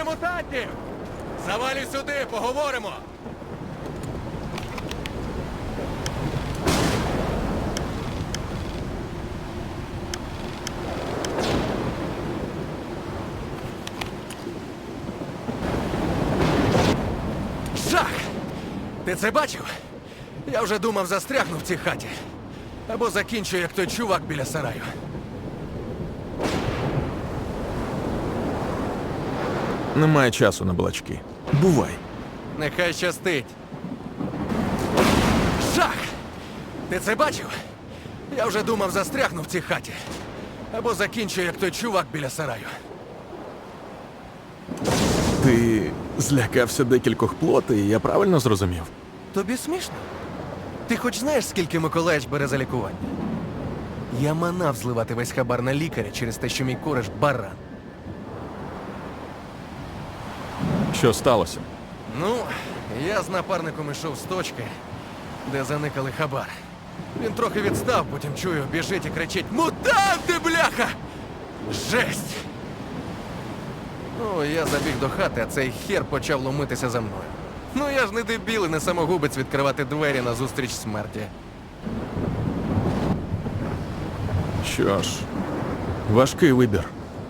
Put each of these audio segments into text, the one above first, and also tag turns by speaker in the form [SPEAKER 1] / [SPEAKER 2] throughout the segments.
[SPEAKER 1] мутантів! Завалюй сюди, поговоримо! Жах! Ти це бачив? Я вже думав, застрягну в цій хаті. Або закінчу, як той чувак біля сараю.
[SPEAKER 2] Немає часу на балачки. Бувай.
[SPEAKER 1] Нехай щастить. Жах! Ти це бачив? Я вже думав, застрягну в цій хаті. Або закінчу, як той чувак біля сараю.
[SPEAKER 2] Ти злякався декількох плотей, я правильно зрозумів?
[SPEAKER 1] Тобі смішно? Ти хоч знаєш, скільки Миколаївич бере за лікування? Я манав зливати весь хабар на лікаря через те, що мій кореш баран.
[SPEAKER 2] Що сталося?
[SPEAKER 1] Ну, я з напарником ішов з точки, де заникали хабар. Він трохи відстав, потім чую, біжить і кричить: «Мутанти, бляха!» Жесть! Ну, я забіг до хати, а цей хер почав ломитися за мною. Ну, я ж не дебіл і не самогубець відкривати двері назустріч смерті.
[SPEAKER 2] Що ж, важкий вибір.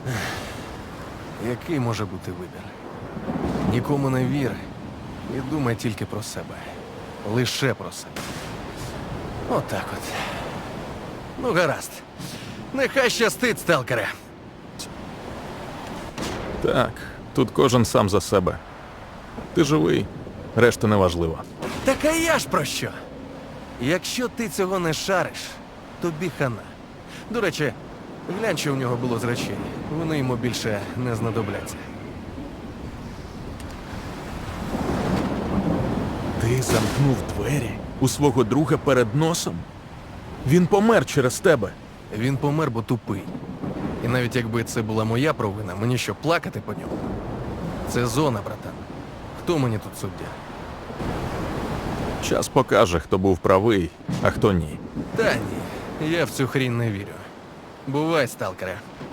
[SPEAKER 1] Який може бути вибір? Нікому не вір і думай тільки про себе. Лише про себе. Отак от. Ну, гаразд. Нехай щастить, сталкере.
[SPEAKER 2] Так, тут кожен сам за себе. Ти живий, решта неважливо.
[SPEAKER 1] Так а я ж про що? Якщо ти цього не шариш, тобі хана. До речі, глянь, що в нього було з речей. Вони йому більше не знадобляться.
[SPEAKER 2] Ти замкнув двері у свого друга перед носом? Він помер через тебе.
[SPEAKER 1] Він помер, бо тупий. І навіть якби це була моя провина, мені що, плакати по ньому? Це зона, братан. Хто мені тут суддя?
[SPEAKER 2] Час покаже, хто був правий, а хто ні.
[SPEAKER 1] Та ні, я в цю хрінь не вірю. Бувай, сталкере.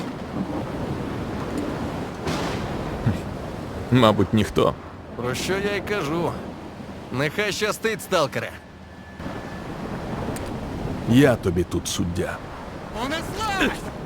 [SPEAKER 2] Мабуть, ніхто.
[SPEAKER 1] Про що я й кажу. Нехай щастить, сталкере.
[SPEAKER 2] Я тобі тут суддя.
[SPEAKER 1] Унеслась!